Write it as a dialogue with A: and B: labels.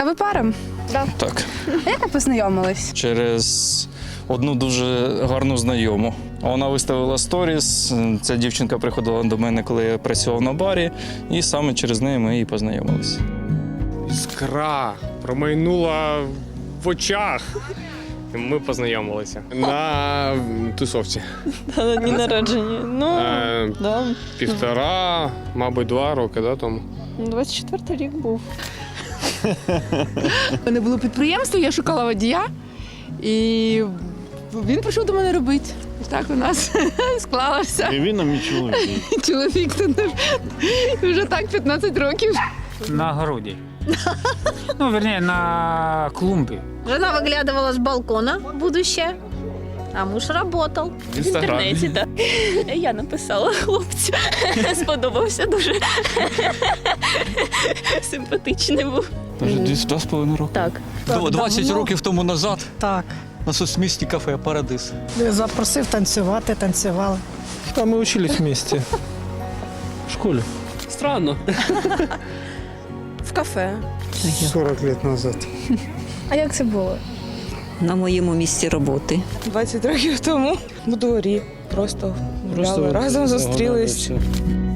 A: А ви пара?
B: Так.
A: А як ви познайомились?
B: Через одну дуже гарну знайому. Вона виставила сторіс. Ця дівчинка приходила до мене, коли я працював на барі, і саме через неї ми і познайомилися.
C: Іскра промайнула в очах. І ми познайомилися на тусовці.
D: На дні народження. Ну, да.
C: 1,5, мабуть, 2 роки, да, тому.
D: 24-й рік був.
A: У мене було підприємство, я шукала водія, і він прийшов до мене робити. Так у нас склалося.
E: І він нам чоловік.
A: Чоловік тут вже так 15 років.
F: На огороде. Ну, вернее, на клумбе.
G: Жена выглядывала с балкона, будущее, а муж работал.
C: В інстаграмі.
D: Так. Я написала хлопцю. Сподобався дуже. Симпатичний був.
H: Вже десь 2,5 роки.
D: Так.
H: 20 років тому назад
I: Так.
H: на соцмісті кафе «Парадис».
I: Запросив танцювати, танцювали.
J: А мы учились вместе. В школе.
C: Странно.
D: В кафе.
J: 40 лет назад.
A: А як це було?
I: На моєму місці роботи.
D: 20 років тому. У дворі. Просто гуляли, разом зустрілись.
J: Згадали все.